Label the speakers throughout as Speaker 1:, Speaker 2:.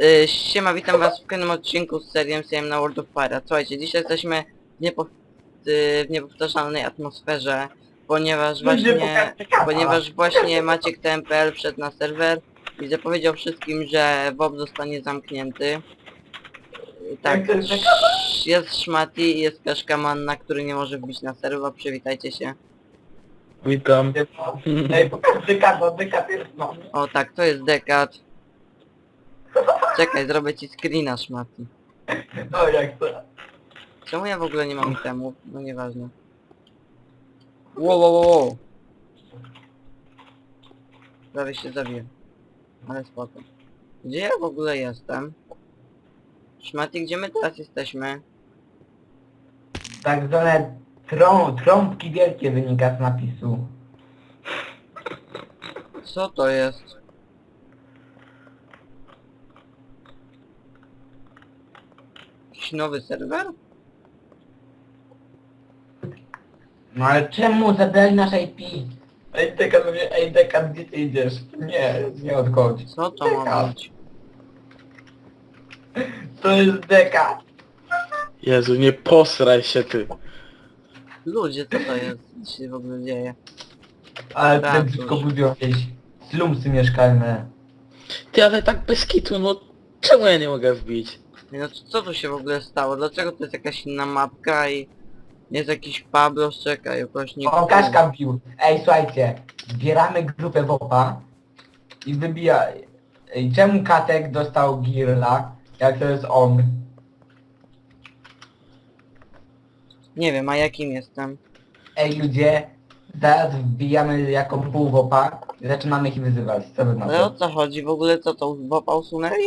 Speaker 1: Siema, witam was w kolejnym odcinku z serii MCM na World of Fire. Słuchajcie, dzisiaj jesteśmy w niepowtarzalnej atmosferze, ponieważ właśnie Maciek TMPL wszedł na serwer i zapowiedział wszystkim, że WoP zostanie zamknięty. Tak, jest Szmati i jest Kaszka Manna, który nie może wbić na serwer, przywitajcie się.
Speaker 2: Witam.
Speaker 3: Ej, pokaż Dekat, bo Dekat jest no.
Speaker 1: O tak, to jest Dekat. Czekaj, zrobię ci screena, Szmati.
Speaker 3: O, jak to?
Speaker 1: Czemu ja w ogóle nie mam itemów? No nieważne. Wow. Prawie się zabiję. Ale spoko. Gdzie ja w ogóle jestem? Szmaty, gdzie my teraz jesteśmy?
Speaker 3: Tak zwane trąbki wielkie wynika z napisu.
Speaker 1: Co to jest? Jakiś nowy serwer?
Speaker 3: No ale czemu zabrali nasz IP? Ej Dekat, gdzie ty idziesz? Nie odchodź.
Speaker 1: Co to ma być?
Speaker 3: To jest Dekat.
Speaker 2: Jezu, nie posraj się ty.
Speaker 1: Ludzie, co to jest? Co się w ogóle dzieje?
Speaker 3: Ale
Speaker 1: Tak,
Speaker 3: tutaj tylko
Speaker 1: cóż.
Speaker 3: budzą jakieś slumsy mieszkalne.
Speaker 2: Ty, ale tak bez kitu, no czemu ja nie mogę wbić?
Speaker 1: No co tu się w ogóle stało? Dlaczego to jest jakaś inna mapka i jest jakiś Pablos? Czekaj, ukośnik.
Speaker 3: O, Kaszka bił. Ej, słuchajcie, zbieramy grupę WOPA i wybija... Ej, czemu Katek dostał Girla, jak to jest on?
Speaker 1: Nie wiem, a jakim jestem?
Speaker 3: Ej ludzie, zaraz wbijamy jako pół WOPA i zaczynamy ich wyzywać. Co wy na
Speaker 1: Ale o
Speaker 3: to?
Speaker 1: co chodzi? W ogóle co to? WoPa usunęli?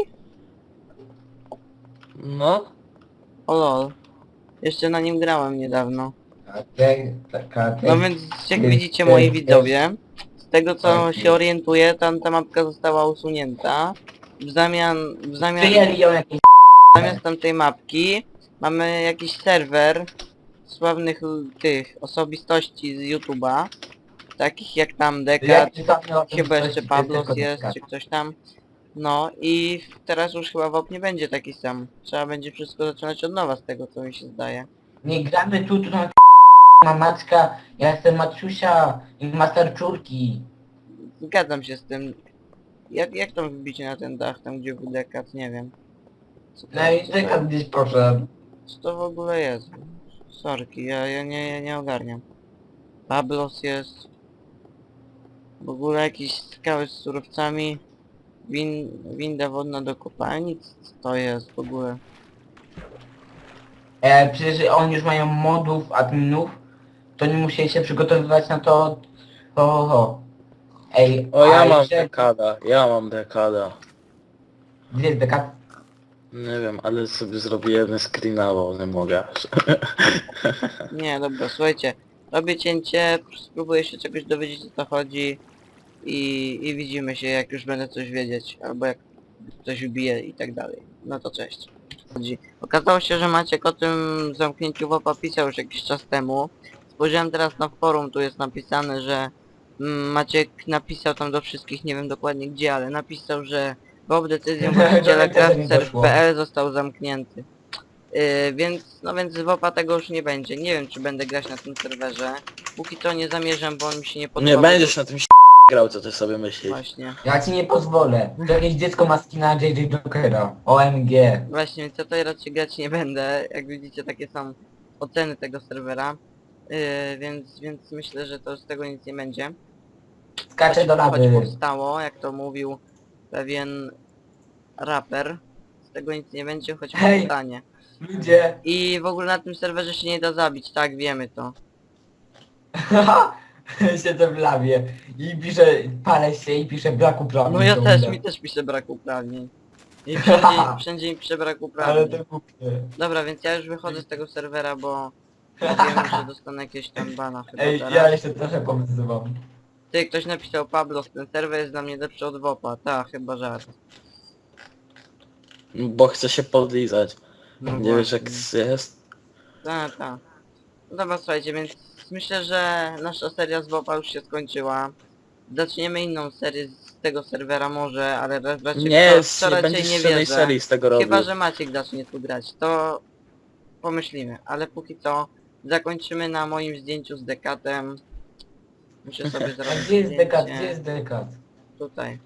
Speaker 2: No.
Speaker 1: O lol. Jeszcze na nim grałem niedawno.
Speaker 3: Katek.
Speaker 1: No więc jak
Speaker 3: jest-
Speaker 1: widzicie moi
Speaker 3: jest-
Speaker 1: widzowie, z tego co
Speaker 3: Tak,
Speaker 1: się
Speaker 3: jest.
Speaker 1: orientuję, ta mapka została usunięta. W
Speaker 3: Przyjęli ją jakieś...
Speaker 1: zamiast tamtej mapki mamy jakiś serwer sławnych tych osobistości z YouTube'a. Takich jak tam Dekat, chyba jeszcze Pablos jest, czy ktoś tam. No i teraz już chyba WoP nie będzie taki sam. Trzeba będzie wszystko zaczynać od nowa z tego co mi się zdaje.
Speaker 3: Nie gramy tu są Maćka, ja jestem Maciusia i Master Czurki.
Speaker 1: Zgadzam się z tym. Jak tam wbić na ten dach, tam gdzie był Dekat, nie wiem. Co to,
Speaker 3: No i Dekat gdzieś poszedł.
Speaker 1: co to w ogóle jest? Sorki, ja nie ogarniam. Pablos jest. W ogóle jakieś skały z surowcami. Winda wodna do kopalni? Co to jest w ogóle?
Speaker 3: Przecież oni już mają modów, adminów, to nie musieli się przygotowywać na to... Ej,
Speaker 2: O, ja
Speaker 3: a
Speaker 2: mam
Speaker 3: jeszcze-
Speaker 2: dekada.
Speaker 3: Gdzie jest Dekat?
Speaker 2: Nie wiem, ale sobie zrobiłem screena, bo nie mogę.
Speaker 1: Nie, dobra, słuchajcie. Robię cięcie, spróbuję się czegoś dowiedzieć o co chodzi i widzimy się jak już będę coś wiedzieć, albo jak coś wbije i tak dalej. No to cześć. Okazało się, że Maciek o tym zamknięciu WoPa pisał już jakiś czas temu. Spojrzałem teraz na forum, tu jest napisane, że Maciek napisał tam do wszystkich, nie wiem dokładnie gdzie, ale napisał, że WoP decyzją właściciela Craftserve.pl został zamknięty. Więc WoPa tego już nie będzie. Nie wiem czy będę grać na tym serwerze. Póki co nie zamierzam, bo on mi się nie podoba.
Speaker 2: Nie będziesz na tym grał, co ty sobie myślisz.
Speaker 1: Właśnie.
Speaker 3: Ja ci nie pozwolę. To jakieś dziecko ma skina JJ Jokera. OMG.
Speaker 1: Właśnie, więc ja to raczej grać nie będę. Jak widzicie takie są oceny tego serwera. Więc myślę, że to z tego nic nie będzie.
Speaker 3: Skacze do
Speaker 1: Choć
Speaker 3: lawy.
Speaker 1: powstało, jak to mówił pewien raper. Z tego nic nie będzie, choć
Speaker 3: Hej!
Speaker 1: powstanie.
Speaker 3: Ludzie.
Speaker 1: I w ogóle na tym serwerze się nie da zabić, tak wiemy to.
Speaker 3: Siedzę w lawie. I piszę, palę się i piszę brak uprawnień.
Speaker 1: No ja
Speaker 3: ciągle.
Speaker 1: też, mi też pisze brak uprawnień. I wszędzie mi pisze brak
Speaker 3: Ale
Speaker 1: uprawnień.
Speaker 3: to głupie.
Speaker 1: Dobra, więc ja już wychodzę z tego serwera, bo wiem, że dostanę jakieś tam bana chyba
Speaker 3: Ej,
Speaker 1: teraz.
Speaker 3: ja jeszcze trochę powyzywam.
Speaker 1: Ty, ktoś napisał Pablos, ten serwer jest dla mnie lepszy od WoPa. Ta, chyba żart.
Speaker 2: Bo chcę się podlizać.
Speaker 1: No
Speaker 2: Nie wiesz jak
Speaker 1: właśnie.
Speaker 2: jest?
Speaker 1: Ta. No dobra, słuchajcie, więc myślę, że nasza seria z WoPa już się skończyła. Zaczniemy inną serię z tego serwera może, ale raczej
Speaker 2: Nie,
Speaker 1: to
Speaker 2: nie
Speaker 1: raczej
Speaker 2: będziesz
Speaker 1: nie
Speaker 2: żadnej
Speaker 1: wierzę.
Speaker 2: serii z tego robił.
Speaker 1: Chyba, że Maciek zacznie tu grać, to pomyślimy, ale póki co zakończymy na moim zdjęciu z Dekatem. Muszę sobie
Speaker 3: A
Speaker 1: zrobić
Speaker 3: gdzie jest dekat?
Speaker 1: zdjęcie.
Speaker 3: Gdzie jest dekat?
Speaker 1: Tutaj.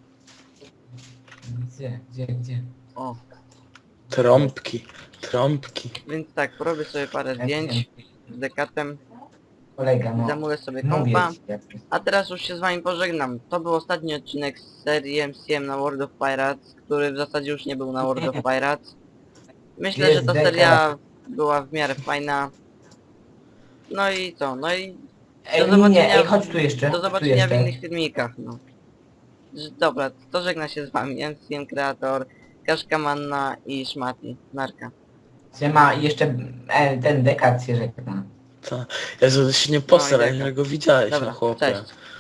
Speaker 3: Gdzie?
Speaker 1: O,
Speaker 2: Trąbki, trąbki.
Speaker 1: więc tak, porobię sobie parę zdjęć z Dekatem,
Speaker 3: Kolega, no.
Speaker 1: zamulę sobie
Speaker 3: Mówię
Speaker 1: kompa.
Speaker 3: ci, jak jest.
Speaker 1: A teraz już się z wami pożegnam. To był ostatni odcinek z serii MCM na World of Pirates, który w zasadzie już nie był na World of Pirates. Myślę,
Speaker 3: Jest
Speaker 1: że ta
Speaker 3: Dekat.
Speaker 1: seria była w miarę fajna. No i co? No i
Speaker 3: Ej,
Speaker 1: do
Speaker 3: nie,
Speaker 1: zobaczenia,
Speaker 3: ej, chodź tu jeszcze.
Speaker 1: do
Speaker 3: tu
Speaker 1: zobaczenia w
Speaker 3: jeszcze.
Speaker 1: innych filmikach, no. Dobra, to żegna się z wami MCM Creator, Kaszka Manna i Szmati. Narka.
Speaker 3: Siema, i jeszcze ten dekat się żegna.
Speaker 2: To... Jezu, ty się nie posraj,
Speaker 1: No i tak.
Speaker 2: jak go widziałeś,
Speaker 1: Dobra,
Speaker 2: no chłopie.
Speaker 1: cześć.